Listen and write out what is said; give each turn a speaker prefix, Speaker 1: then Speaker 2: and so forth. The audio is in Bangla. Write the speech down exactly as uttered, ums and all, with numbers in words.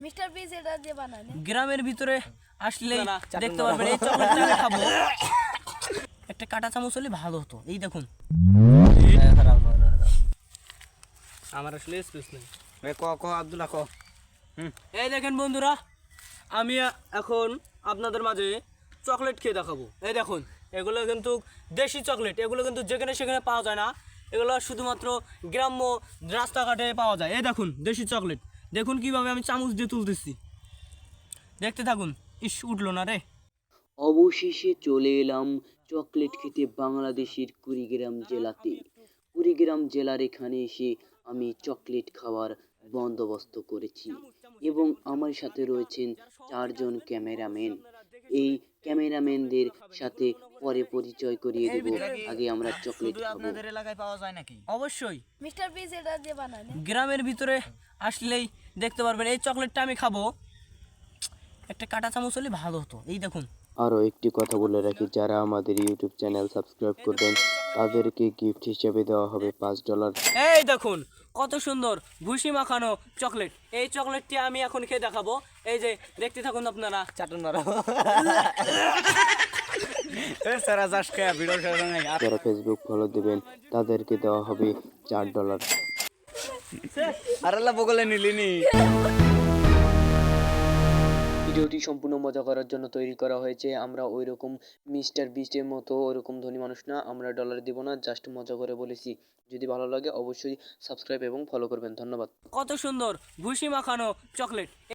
Speaker 1: মিস্টার বিস এটা যে বানায় না?
Speaker 2: গ্রামের ভিতরে আসলে দেখতে পারবেন এই চকলেটটা আমি খাবো। একটা কাঁটা চামচ হলে ভালো হতো। এই দেখুন
Speaker 3: আমার আসলে স্পেস নেই।
Speaker 4: এ ক ক আব্দুল্লাহ ক
Speaker 2: এই দেখেন বন্ধুরা, আমি এখন আপনাদের মাঝে চকলেট খেয়ে দেখাবো। এই দেখুন, এগুলো কিন্তু দেশি চকলেট, এগুলো কিন্তু যেখানে সেখানে পাওয়া যায় না, এগুলো শুধুমাত্র গ্রাম্য রাস্তাঘাটে পাওয়া যায়। এই দেখুন দেশি চকলেট, দেখুন কিভাবে আমি চামচ দিয়ে তুলতেছি, দেখতে থাকুন। ইস, উঠলো না রে।
Speaker 5: অবশেষে চলে এলাম চকলেট খেতে বাংলাদেশের কুড়িগ্রাম জেলাতে। কুড়িগ্রাম জেলার এখানে এসে আমি চকলেট খাওয়ার বন্দোবস্ত করেছি এবং আমার সাথে রয়েছেন চারজন ক্যামেরাম্যান। এই ক্যামেরাম্যানদের সাথে পরে পরিচয় করিয়ে দেব, আগে আমরা চকলেট খাবো।
Speaker 4: আপনাদের এলাকায় পাওয়া যায় নাকি?
Speaker 2: অবশ্যই
Speaker 1: মিস্টার বিস এটা যে বানায় না?
Speaker 2: গ্রামের ভিতরে আসলেই দেখতে পারবেন এই চকলেটটা আমি খাবো। একটা কাঁটা চামচ হলে ভালো হতো। এই দেখুন,
Speaker 5: আরও একটি কথা বলে রাখি, যারা আমাদের ইউটিউব চ্যানেল সাবস্ক্রাইব করবেন তাদেরকে গিফট হিসেবে দেওয়া হবে পাঁচ ডলার।
Speaker 2: এই দেখুন কত সুন্দর ভুসি মাখানো চকলেট। এই চকলেটটি আমি এখন খেয়ে দেখাবো। এই যে দেখতে থাকুন আপনারা।
Speaker 4: চাটন মারা এ সারা যাস কে ভিডিও শেষ নাই আর
Speaker 5: যারা ফেসবুক ফলো দেবেন তাদেরকে দেওয়া হবে চার ডলার।
Speaker 4: আল্লাহ বগলে নিলিনি।
Speaker 5: ভিডিওটি সম্পূর্ণ মজা করার জন্য তৈরি করা হয়েছে। আমরা ওই রকম মিস্টার বিস্টের মতো ওরকম ধনী মানুষ না, আমরা ডলার দিব না, জাস্ট মজা করে বলেছি। যদি ভালো লাগে অবশ্যই সাবস্ক্রাইব এবং ফলো করবেন। ধন্যবাদ।
Speaker 2: কত সুন্দর ভুসি মাখানো চকলেট।